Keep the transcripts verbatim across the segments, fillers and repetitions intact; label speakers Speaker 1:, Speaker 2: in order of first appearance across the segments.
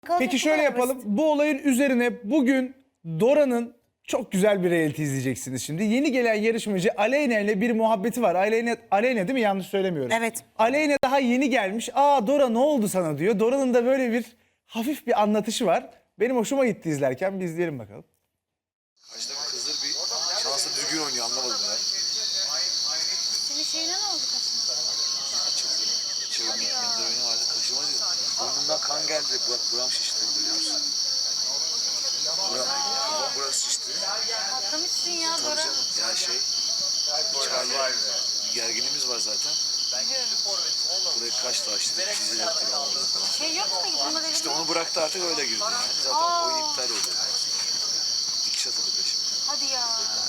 Speaker 1: Peki şöyle yapalım. Bu olayın üzerine bugün Dora'nın çok güzel bir reality izleyeceksiniz şimdi. Yeni gelen yarışmacı Aleyna ile bir muhabbeti var. Aleyna, Aleyna değil mi? Yanlış söylemiyorum.
Speaker 2: Evet.
Speaker 1: Aleyna daha yeni gelmiş. Aa Dora ne oldu sana diyor. Dora'nın da böyle bir hafif bir anlatışı var. Benim hoşuma gitti izlerken. Bir izleyelim bakalım.
Speaker 3: Karşıda bir kızdır bir şanslı düzgün oynuyor anlamadım ya.
Speaker 4: Senin şeyine ne oldu kaşına?
Speaker 3: Açıldı. Çığırın minder oyunu vardı kaşıma diyor. Burnumdan kan geldi. Bak buram şişti biliyor musun? Buram, buram burası şişti.
Speaker 4: Patlamışsın ya
Speaker 3: Tabii
Speaker 4: Dora.
Speaker 3: canım. Ya şey. İçeride bir gerginliğimiz var zaten. Buraya kaç taştı. Çiziler falan oldu falan.
Speaker 4: Şey yok mu gitme dedi.
Speaker 3: İşte onu bıraktı artık öyle girdi yani. Zaten
Speaker 4: Aa.
Speaker 3: oyun iptal oldu. Dikiş atıldı peşime.
Speaker 4: Hadi ya.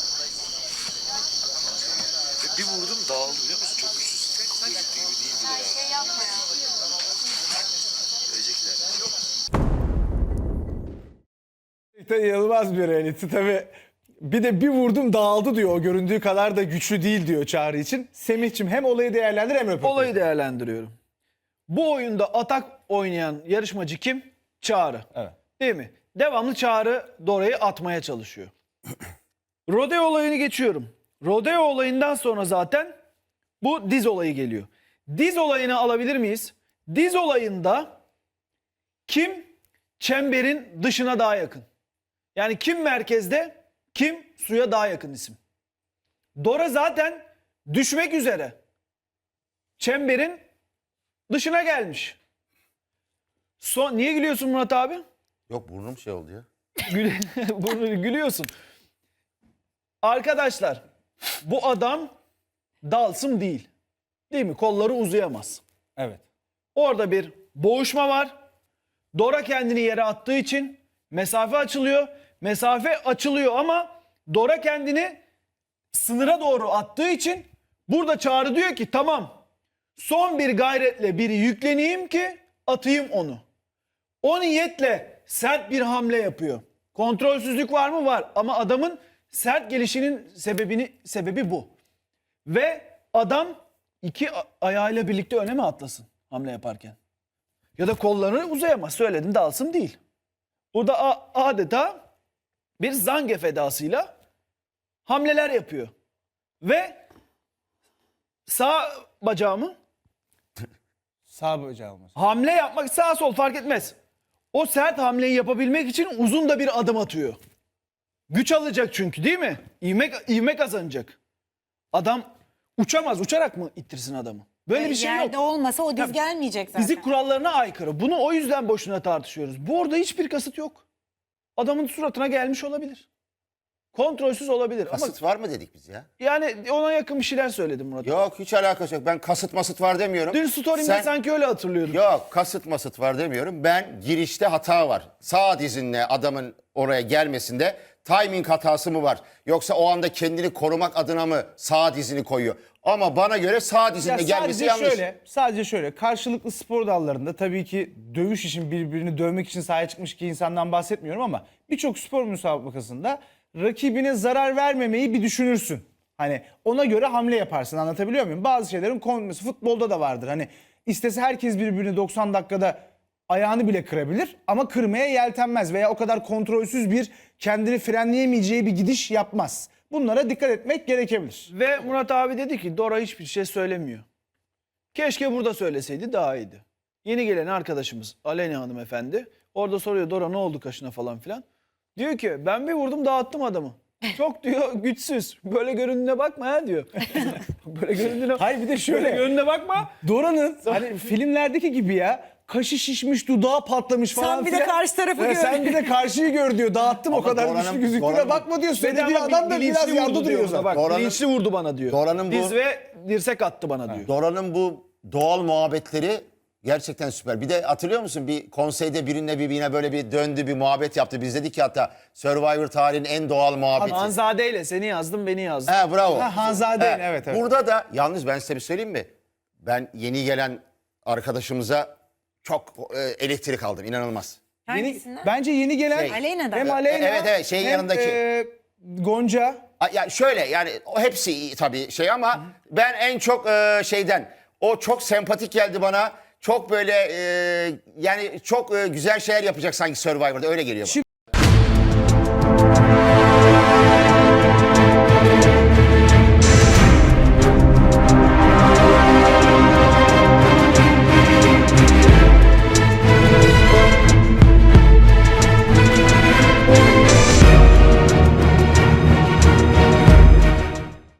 Speaker 3: Ve bir vurdum dağıldı biliyor musun? Çok güçsüz. Gözüktüğü gibi değil bile
Speaker 4: Her
Speaker 3: yani.
Speaker 4: şey yapma ya.
Speaker 3: Ölecekler.
Speaker 1: İnanılmaz bir reality tabii. Bir de bir vurdum dağıldı diyor. O göründüğü kadar da güçlü değil diyor Çağrı için. Semih'cim hem olayı değerlendir hem röportajı.
Speaker 5: Olayı değerlendiriyorum. Bu oyunda atak oynayan yarışmacı kim? Çağrı.
Speaker 1: Evet.
Speaker 5: Değil mi? Devamlı Çağrı Dora'yı atmaya çalışıyor. Rodeo olayını geçiyorum. Rodeo olayından sonra zaten bu diz olayı geliyor. Diz olayını alabilir miyiz? Diz olayında kim çemberin dışına daha yakın? Yani kim merkezde, kim suya daha yakın isim? Dora zaten düşmek üzere. Çemberin dışına gelmiş. Son, niye gülüyorsun Murat abi?
Speaker 6: Yok burnum şey oldu ya.
Speaker 5: Gül, bunu gülüyorsun. Arkadaşlar bu adam Dalsım değil. Değil mi? Kolları uzayamaz.
Speaker 1: Evet.
Speaker 5: Orada bir boğuşma var. Dora kendini yere attığı için mesafe açılıyor. Mesafe açılıyor ama Dora kendini sınıra doğru attığı için burada Çağrı diyor ki tamam son bir gayretle biri yükleneyim ki atayım onu. O niyetle sert bir hamle yapıyor. Kontrolsüzlük var mı? Var. Ama adamın sert gelişinin sebebini sebebi bu. Ve adam iki a- ayağıyla birlikte öne mi atlasın hamle yaparken? Ya da kollarını uzayamaz. Söyledim Dalsım değil. Burada a- adeta bir Zangief edasıyla hamleler yapıyor. Ve sağ bacağımı
Speaker 1: Sağ bacağı olması.
Speaker 5: hamle yapmak sağ sol fark etmez. O sert hamleyi yapabilmek için uzun da bir adım atıyor. Güç alacak çünkü değil mi? İvme, ivme kazanacak. Adam uçamaz. Uçarak mı ittirsin adamı? Böyle bir şey
Speaker 2: Yerde
Speaker 5: yok.
Speaker 2: olmasa o diz
Speaker 5: Tabii.
Speaker 2: gelmeyecek zaten.
Speaker 5: Fizik kurallarına aykırı. Bunu o yüzden boşuna tartışıyoruz. Bu orada hiçbir kasıt yok. Adamın suratına gelmiş olabilir. Kontrolsüz olabilir.
Speaker 6: Kasıt
Speaker 5: Ama
Speaker 6: var mı dedik biz ya?
Speaker 5: yani ona yakın bir şeyler söyledim Murat.
Speaker 6: Yok hiç alakası yok. Ben kasıt masıt var demiyorum.
Speaker 5: Dün story'imde
Speaker 6: Sen-
Speaker 5: sanki öyle hatırlıyorum.
Speaker 6: Yok kasıt masıt var demiyorum. Ben girişte hata var. Sağ dizinle adamın oraya gelmesinde timing hatası mı var? Yoksa o anda kendini korumak adına mı sağ dizini koyuyor? Ama bana göre sağ dizinle
Speaker 1: Ya
Speaker 6: gelmesi
Speaker 1: sadece
Speaker 6: yanlış.
Speaker 1: şöyle, sadece şöyle karşılıklı spor dallarında tabii ki dövüş için birbirini dövmek için sahaya çıkmış iki insandan bahsetmiyorum ama birçok spor müsabakasında rakibine zarar vermemeyi bir düşünürsün. Hani ona göre hamle yaparsın, anlatabiliyor muyum? Bazı şeylerin konması futbolda da vardır. Hani istese herkes birbirini doksan dakikada ayağını bile kırabilir ama kırmaya yeltenmez veya o kadar kontrolsüz bir kendini frenleyemeyeceği bir gidiş yapmaz. Bunlara dikkat etmek gerekebilir.
Speaker 5: Ve Murat abi dedi ki Dora hiçbir şey söylemiyor. Keşke burada söyleseydi daha iyiydi. Yeni gelen arkadaşımız Aleyna hanımefendi orada soruyor Dora ne oldu kaşına falan filan. Diyor ki ben bir vurdum dağıttım adamı. Çok diyor güçsüz. Böyle göründüğüne bakma ya diyor. Böyle göründüğüne,
Speaker 1: Hayır bir de şöyle.
Speaker 5: böyle göründüğüne bakma.
Speaker 1: Dora'nın hani filmlerdeki gibi ya kaşı şişmiş, dudağı patlamış falan
Speaker 2: Sen bir de
Speaker 1: filan.
Speaker 2: karşı tarafı
Speaker 1: Ve
Speaker 2: gör.
Speaker 1: Sen bir de karşıyı gör diyor. Dağıttım o
Speaker 6: Ama
Speaker 1: kadar
Speaker 6: Dora'nın-
Speaker 1: güçlü gözüktüğüne
Speaker 6: Dora'nın-
Speaker 1: bakma diyor. Söylediği
Speaker 5: Bedava
Speaker 1: adam da
Speaker 5: bilinçli
Speaker 1: biraz yanda
Speaker 5: vurdu
Speaker 1: duruyor
Speaker 5: diyor
Speaker 1: zaten.
Speaker 5: bak.
Speaker 6: Dora'nın-
Speaker 5: Bilinçli vurdu bana diyor.
Speaker 6: Dora'nın bu-
Speaker 5: Diz ve dirsek attı bana diyor.
Speaker 6: Dora'nın bu doğal muhabbetleri gerçekten süper. Bir de hatırlıyor musun bir konseyde birine birbirine böyle bir döndü bir muhabbet yaptı. Biz dedik ki hatta Survivor tarihinin en doğal muhabbeti.
Speaker 5: Hanzade ile seni yazdım beni yazdım.
Speaker 6: He bravo.
Speaker 1: Ha, Hanzade'nin, evet, evet.
Speaker 6: Burada da yalnız ben size bir söyleyeyim mi? Ben yeni gelen arkadaşımıza çok e, elektrik aldım inanılmaz.
Speaker 1: Yeni,
Speaker 2: Hangisinden?
Speaker 1: bence yeni gelen
Speaker 6: Şey,
Speaker 2: Aleyna'dan.
Speaker 1: hem Aleyna
Speaker 6: Evet, evet, şeyin
Speaker 1: hem,
Speaker 6: yanındaki.
Speaker 1: e, Gonca.
Speaker 6: A- Yani şöyle yani o hepsi iyi tabii şey ama ben en çok e, şeyden o çok sempatik geldi bana. çok böyle e, yani çok e, güzel şeyler yapacak sanki Survivor'da öyle geliyor bana.
Speaker 1: Şimdi